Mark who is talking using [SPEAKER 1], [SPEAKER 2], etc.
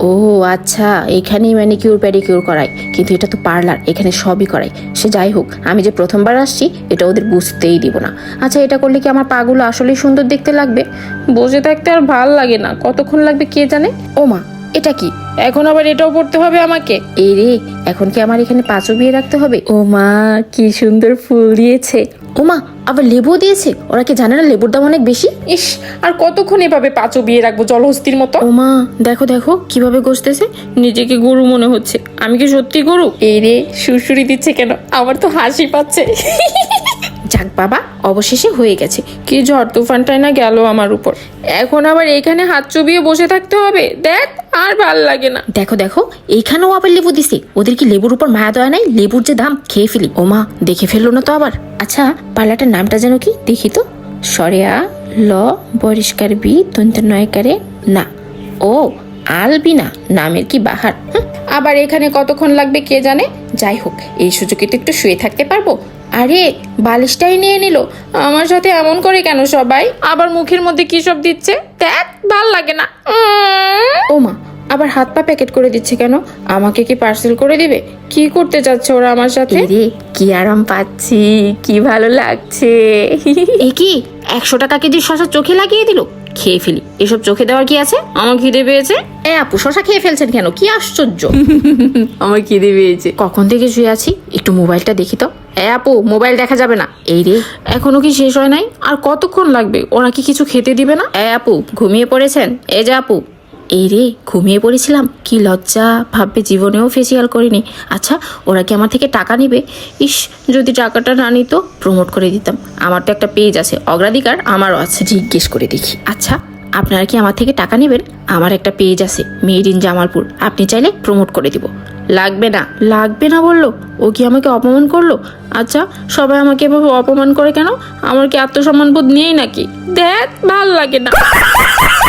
[SPEAKER 1] ও আচ্ছা, এখানেই manicure pedicure করায়, কিন্তু এটা তো পার্লার, এখানে সবই করায়। সে যাই হোক, আমি যে প্রথমবার আসছি এটা ওদের বুঝতেই দিব না। আচ্ছা, এটা করলে কি আমার পাগুলো আসলেই সুন্দর দেখতে লাগবে? বসে থাকতে আর ভাল লাগে না, কতক্ষণ লাগবে কে জানে। ও মা, এটা কি? এখন আবার এটাও পড়তে হবে আমাকে? এই রে, এখন কি আমার এখানে পা চুবিয়ে রাখতে হবে? ও মা, কি সুন্দর ফুল দিয়েছে। ও মা, আবার লেবু দিয়েছে। ওরা কি জানে না লেবুর দাম অনেক বেশি? ইস, আর কতক্ষণ এভাবে পা চুবিয়ে রাখবো জলহস্তির মতো? ও মা, দেখো দেখো কিভাবে ঘষতেছে, নিজেকে গরু মনে হচ্ছে। আমি কি সত্যি গরু? এই রে, সুরসুরি দিচ্ছে কেন? আমার তো হাসি পাচ্ছে। যাক বাবা, অবশেষে হয়ে গেছে। কি ঝড় তুফানটাই না গেল আমার উপর। এখন আবার এইখানে হাত চুবিয়ে বসে থাকতে হবে? দেখ, আর ভাল লাগে না। দেখো দেখো, এইখানেও আবার লেবু দিছে। ওদের কি লেবুর উপর মায়া দয়া নাই? লেবুর যে দাম, খেয়ে ফেলি। ও মা, দেখে ফেললো না তো আবার? আচ্ছা, পার্লারটার নামটা যেন কি দেখি তো। সরেয়া ল বরিষ্কার বি তন্ত নয়কারে না। ও, আলবিনা নামের কি বাহার। আবার এখানে কতক্ষণ লাগবে কে জানে। যাই হোক, এই সুযোগে তো একটু শুয়ে থাকতে পারবো। আরে, বালিশটাই নিয়ে নিল। আমার সাথে এমন করে কেন সবাই? আবার মুখের মধ্যে কি সব দিচ্ছে, দেখ, ভাল লাগে না। ও মা, আবার হাত পা প্যাকেট করে দিচ্ছে কেন? আমাকে কি পার্সেল করে দিবে? কি করতে যাচ্ছে ওরা আমার সাথে? রে, কি আরাম পাচ্ছি, কি ভালো লাগছে। এ কি, 100 টাকা কেজি শশা চোখে লাগিয়ে দিল? খেয়ে ফেলি, এসব চোখে দেওয়ার কি আছে? আমার খিদে পেয়েছে। আপু, শশা খেয়ে ফেলছেন কেন? কি আশ্চর্য। আমার খিদে পেয়েছে। কখন থেকে শুয়ে আছি, একটু মোবাইলটা দেখি তো। আপু, মোবাইল দেখা যাবে না। এই রে, এখনো কি শেষ হয় নাই? আর কতক্ষণ লাগবে? ওরা কি কিছু খেতে দিবে না? আপু, ঘুমিয়ে পড়েছেন? এই যে আপু। এই রে, ঘুমিয়ে পড়েছিলাম? কি লজ্জা, ভাববে জীবনেও ফেসিয়াল করিনি। আচ্ছা, ওরা কি আমার থেকে টাকা নিবে? ইস, যদি টাকাটা না নিত, প্রমোট করে দিতাম। আমার তো একটা পেজ আছে, অগ্রাধিকার আমারও আছে। জিজ্ঞেস করে দেখি। আচ্ছা, আপনারা কি আমার থেকে টাকা নেবেন? আমার একটা পেজ আছে, মেড ইন জামালপুর, আপনি চাইলে প্রমোট করে দিব। লাগবে না। লাগবে না বললো? ও কি আমাকে অপমান করলো? আচ্ছা, সবাই আমাকে এভাবে অপমান করে কেন? আমার কি আত্মসম্মান বোধ নেই নাকি? দেখ, ভাল লাগে না।